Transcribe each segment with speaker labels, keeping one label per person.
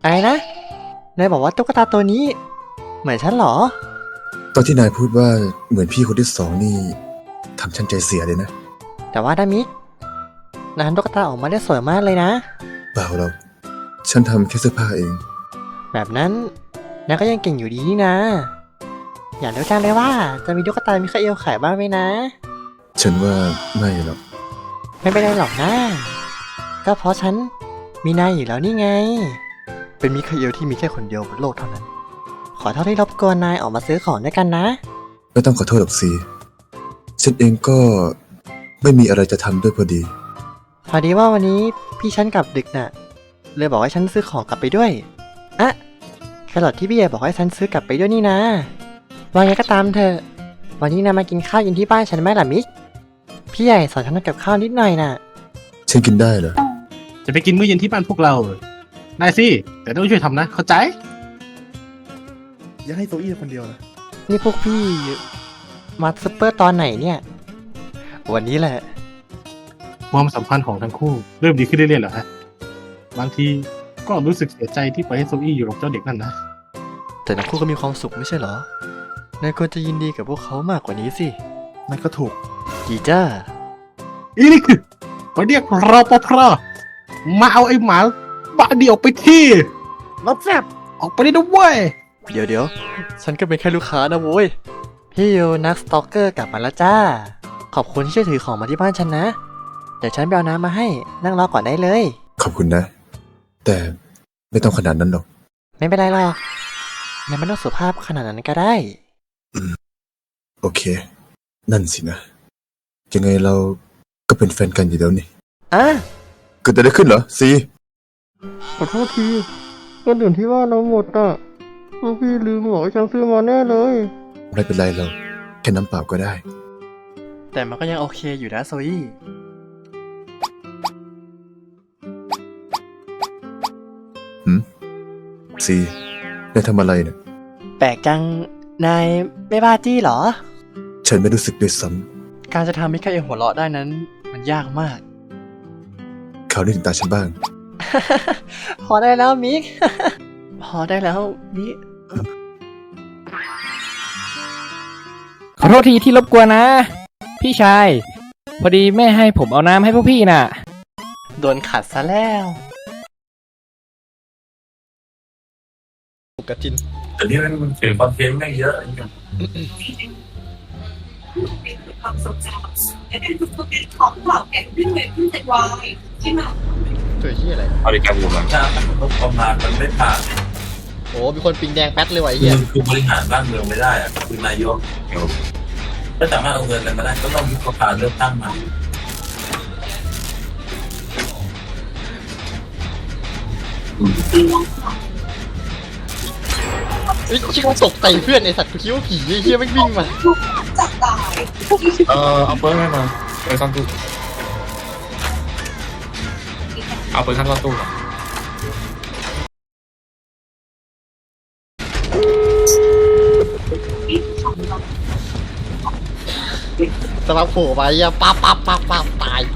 Speaker 1: อะไรนะนายบอกว่าตุ๊กตาตัวนี้เหมือนฉันเหรอ
Speaker 2: ตอนที่นายพูดว่าเหมือนพี่คนที่สองนี่ทำฉันใจเสียเลยนะ
Speaker 1: แต่ว่านามิกนายทำตุ๊กตาออกมาได้สวยมากเลยนะ
Speaker 2: เปล่าหรอกฉันทำแค่เสื้อผ้าเอง
Speaker 1: แบบนั้นนายก็ยังเก่งอยู่ดีนี่นะอยากรู้จังเลยว่าจะมีตุ๊กตามิคาเอลขายบ้างไหมนะ
Speaker 2: ฉันว่าไม่หรอก
Speaker 1: ไม่เป็นไรหรอกนะก็เพราะฉันมีนายอยู่แล้วนี่ไงเป็นมิคาเอลที่มีแค่คนเดียวบนโลกเท่านั้นขอเท่าที่รบกวนนายออกมาซื้อของด้วยกันนะ
Speaker 2: ไม่ต้องขอโทษหรอกสิฉันเองก็ไม่มีอะไรจะทำด้วยพอดี
Speaker 1: ว่าวันนี้พี่ฉันกลับดึกน่ะเลยบอกให้ฉันซื้อของกลับไปด้วยอะแครอทที่พี่ใหญ่บอกให้ฉันซื้อกลับไปด้วยนี่นะว่าไงก็ตามเถอะวันนี้นายมากินข้าวเย็นที่บ้านฉันไหมล่ะมิกพี่ใหญ่สอนฉันทำกับข้าวนิดหน่อยน่ะ
Speaker 2: ฉันกินได้เหรอ
Speaker 3: จะไปกินมื้อเย็นที่บ้านพวกเราได้สิแต่ต้องช่วยทำนะเข้าใจ
Speaker 4: อย่าให้โซอี้คนเดียวนะ
Speaker 1: นี่พวกพี่มาซุปเปอร์ตอนไหนเนี่ยวันนี้แหละ
Speaker 3: ความสัมพันธ์ของทั้งคู่เริ่มดีขึ้นเรื่อยๆเหรอฮะบางทีก็รู้สึกเสียใจที่ปล่อยให้โซอี้อยู่กับเจ้าเด็กนั่นนะ
Speaker 1: แต่ทั้งคู่ก็มีความสุขไม่ใช่เหรอนายควรจะยินดีกับพวกเขามากกว่านี้สิ
Speaker 4: นั่นก็ถูก
Speaker 1: จีจ้า
Speaker 3: อีนี่คือไปเรียกรปภมาเอาไอ้หมาบ้าดีออกไปที่
Speaker 4: รับแซบ
Speaker 3: ออกไปได้ด้วยเว้ย
Speaker 1: เดี๋ยวฉันก็เป็นแค่ลูกค้านะโว้ยพี่ยูนักสตอกเกอร์กลับมาแล้วจ้าขอบคุณที่ช่วยถือของมาที่บ้านฉันนะเดี๋ยวฉันไปเอาน้ำมาให้นั่งรอก่อนได้เลย
Speaker 2: ขอบคุณนะแต่ไม่ต้องขนาดนั้นหรอก
Speaker 1: ไม่เป็นไรหรอกนายไม่ต้องสุภาพขนาดนั้นก็ได้
Speaker 2: โอเคนั่นสินะยังไงเราก็เป็นแฟนกันอยู่แล้วนี่เกิดอะไรขึ้นเหรอซี
Speaker 1: ขอโทษทีก็ดื่นที่ว่าเราหมดอ่ะพวกพี่ลืมบอกให้ฉันซื้อมาแน่เลย
Speaker 2: ไม่เป็นไรเราแค่น้ำเปล่าก็ได้
Speaker 1: แต่มันก็ยังโอเคอยู่นะโซอี้
Speaker 2: ซีนายทำอะไรเนี่ย
Speaker 1: แปลกจังนายไม่บ้าจี้เหรอ
Speaker 2: ฉันไม่รู้สึกด้วยซ้
Speaker 1: ำการจะทำให้ใครหัวเราะได้นั้นมันยากมาก
Speaker 2: เขาได้ถึงตาฉันบ้าง
Speaker 1: พอได้แล้วมิก พอได้แล้วมิก
Speaker 5: ขอโทษทีที่รบกวนนะพี่ชายพอดีแม่ให้ผมเอาน้ำให้พวกพี่น่ะ
Speaker 1: โดนขัดซะแล้วกระจิน
Speaker 6: แต่นี่มันเสียงคอนเทนต์ไม่เยอะ
Speaker 7: ความทรงจำและเป็นของเหล่าแก่ขึ้นเวขึ้นแต่วายที่มา
Speaker 1: ตัวที่อะไร
Speaker 6: บริการอยู่หลังจากประมาณมันไม่ผ่าน
Speaker 1: โอ้มีคนปิงแดงแป๊ดเลยว่ะเฮีย
Speaker 6: คือบริหารบ้านเมืองไม่ได้อะคือนายกถ้าสามารถเอาเงินกันมาได้ก็ต้องยุบสภาเลือกตั้งมา
Speaker 1: ไอ้ชิคตกใจเพื่อนไอสัตว์กูคิดว่าผีไอ้เฮียไม่วิ่งมา
Speaker 7: จับตาย
Speaker 6: เอาเปิดให้มาไปซ่อนตู้เอาเปิดขั้นซ่อนตู้
Speaker 1: สลับโผล่ไปอ่ะปั๊บตาย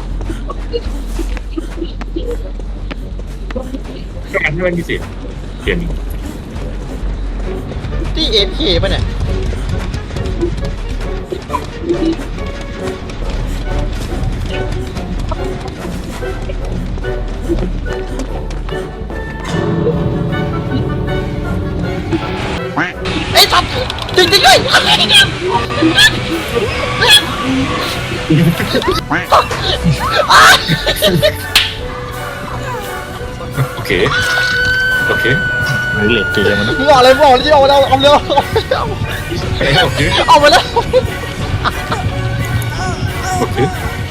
Speaker 6: ก็อันที่มันมีสิเปลี่ยน
Speaker 1: ที่เอฟเคป่ะเนี่ยไอ้สัตว์จริงด้วย
Speaker 6: โอเคเหล็กเกมมัน
Speaker 1: มึงบอกเลยที่เอาเร็วเอาไปแล้ว
Speaker 6: โอเค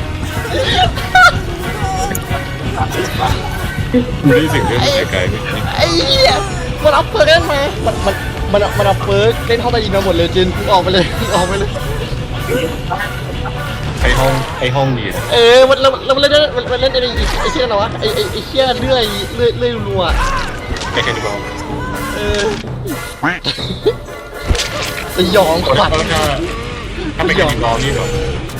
Speaker 6: ไม่ได้สิ่งเรื่องไกล
Speaker 1: ไอ้เหี้ยมันเอาเปิร์กเล่นมามันเอาเปิร์กเล่นเข้าไปยิงมาหมดเลยจินออกไปเลย
Speaker 6: ไอห้องดี
Speaker 1: มันเล่นไอ้เชี่ยอะไรวะไอ้เชี่ยเลื่อยรัว
Speaker 6: แค่นี้พอ
Speaker 1: สยองขวัญ
Speaker 6: ถ้าไม่แค่นี้รอนี่หรอ